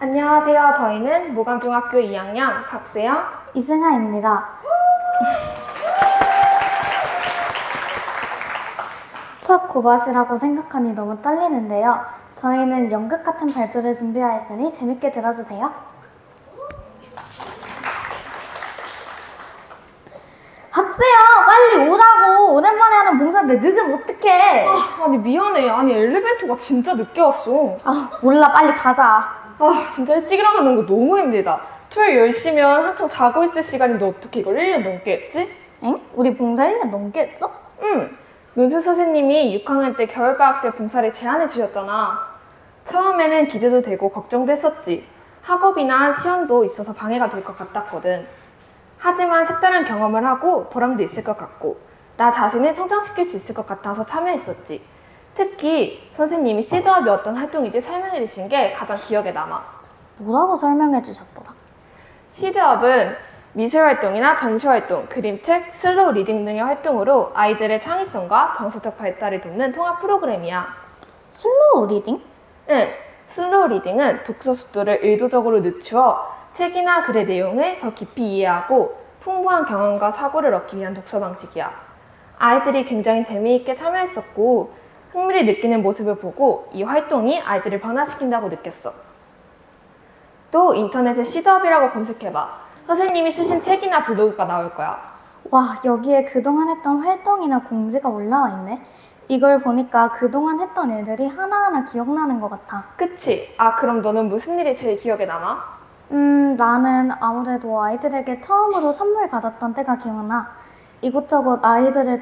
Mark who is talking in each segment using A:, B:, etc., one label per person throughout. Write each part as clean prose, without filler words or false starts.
A: 안녕하세요. 저희는 모감중학교 2학년 박세영,
B: 이승아입니다. 첫 고밭이라고 생각하니 너무 떨리는데요. 저희는 연극 같은 발표를 준비하였으니 재밌게 들어주세요. 박세영, 빨리 오라고. 오랜만에 하는 봉사인데 늦으면 어떡해.
A: 아니 미안해. 아니 엘리베이터가 진짜 늦게 왔어.
B: 몰라, 빨리 가자.
A: 진짜 일찍 일어나는 거 너무 힘들다. 토요일 10시면 한창 자고 있을 시간인데 어떻게 이걸 1년 넘게 했지?
B: 엥? 우리 봉사 1년 넘게 했어?
A: 응. 논수 선생님이 6학년 때 겨울방학 때 봉사를 제안해 주셨잖아. 처음에는 기대도 되고 걱정도 했었지. 학업이나 시험도 있어서 방해가 될 것 같았거든. 하지만 색다른 경험을 하고 보람도 있을 것 같고 나 자신을 성장시킬 수 있을 것 같아서 참여했었지. 특히 선생님이 시드업이 어떤 활동인지 설명해 주신 게 가장 기억에 남아.
B: 뭐라고 설명해 주셨더라?
A: 시드업은 미술활동이나 전시활동, 그림책, 슬로우 리딩 등의 활동으로 아이들의 창의성과 정서적 발달을 돕는 통합 프로그램이야.
B: 슬로우 리딩?
A: 응, 슬로우 리딩은 독서 속도를 의도적으로 늦추어 책이나 글의 내용을 더 깊이 이해하고 풍부한 경험과 사고를 얻기 위한 독서 방식이야. 아이들이 굉장히 재미있게 참여했었고 흥미를 느끼는 모습을 보고 이 활동이 아이들을 변화시킨다고 느꼈어. 또 인터넷에 시드업이라고 검색해봐. 선생님이 쓰신 책이나 블로그가 나올 거야.
B: 와, 여기에 그동안 했던 활동이나 공지가 올라와 있네. 이걸 보니까 그동안 했던 일들이 하나하나 기억나는 것 같아.
A: 그치? 그럼 너는 무슨 일이 제일 기억에 남아?
B: 나는 아무래도 아이들에게 처음으로 선물 받았던 때가 기억나. 이곳저곳 아이들을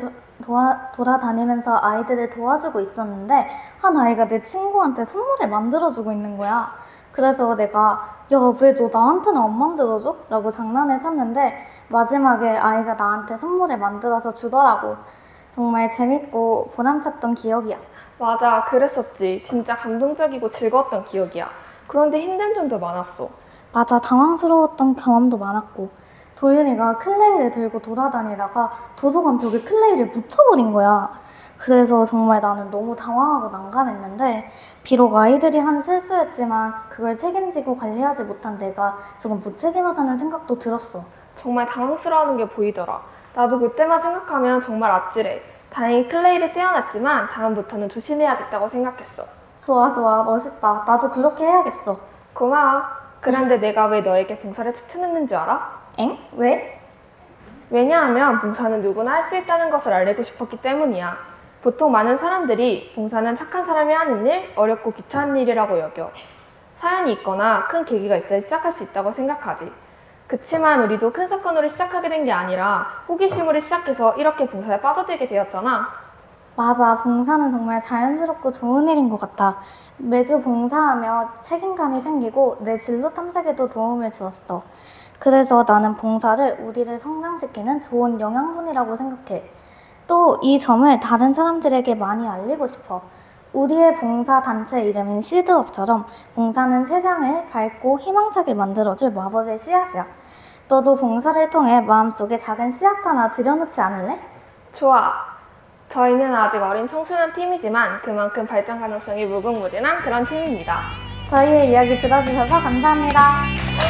B: 돌아다니면서 아이들을 도와주고 있었는데 한 아이가 내 친구한테 선물을 만들어주고 있는 거야. 그래서 내가 야, 왜 너 나한테는 안 만들어줘? 라고 장난을 쳤는데 마지막에 아이가 나한테 선물을 만들어서 주더라고. 정말 재밌고 보람찼던 기억이야.
A: 맞아, 그랬었지. 진짜 감동적이고 즐거웠던 기억이야. 그런데 힘든 점도 많았어.
B: 맞아, 당황스러웠던 경험도 많았고 도윤이가 클레이를 들고 돌아다니다가 도서관 벽에 클레이를 묻혀버린 거야. 그래서 정말 나는 너무 당황하고 난감했는데 비록 아이들이 한 실수였지만 그걸 책임지고 관리하지 못한 내가 조금 무책임하다는 생각도 들었어.
A: 정말 당황스러워하는 게 보이더라. 나도 그때만 생각하면 정말 아찔해. 다행히 클레이를 떼어놨지만 다음부터는 조심해야겠다고 생각했어.
B: 좋아, 멋있다. 나도 그렇게 해야겠어.
A: 고마워. 그런데 내가 왜 너에게 봉사를 추천했는 줄 알아?
B: 엥? 왜?
A: 왜냐하면 봉사는 누구나 할 수 있다는 것을 알리고 싶었기 때문이야. 보통 많은 사람들이 봉사는 착한 사람이 하는 일, 어렵고 귀찮은 일이라고 여겨. 사연이 있거나 큰 계기가 있어야 시작할 수 있다고 생각하지. 그치만 우리도 큰 사건으로 시작하게 된 게 아니라 호기심으로 시작해서 이렇게 봉사에 빠져들게 되었잖아.
B: 맞아, 봉사는 정말 자연스럽고 좋은 일인 것 같아. 매주 봉사하며 책임감이 생기고 내 진로 탐색에도 도움을 주었어. 그래서 나는 봉사를 우리를 성장시키는 좋은 영양분이라고 생각해. 또 이 점을 다른 사람들에게 많이 알리고 싶어. 우리의 봉사 단체 이름인 시드업처럼 봉사는 세상을 밝고 희망차게 만들어줄 마법의 씨앗이야. 너도 봉사를 통해 마음속에 작은 씨앗 하나 들여놓지 않을래?
A: 좋아. 저희는 아직 어린 청소년 팀이지만 그만큼 발전 가능성이 무궁무진한 그런 팀입니다.
B: 저희의 이야기 들어주셔서 감사합니다.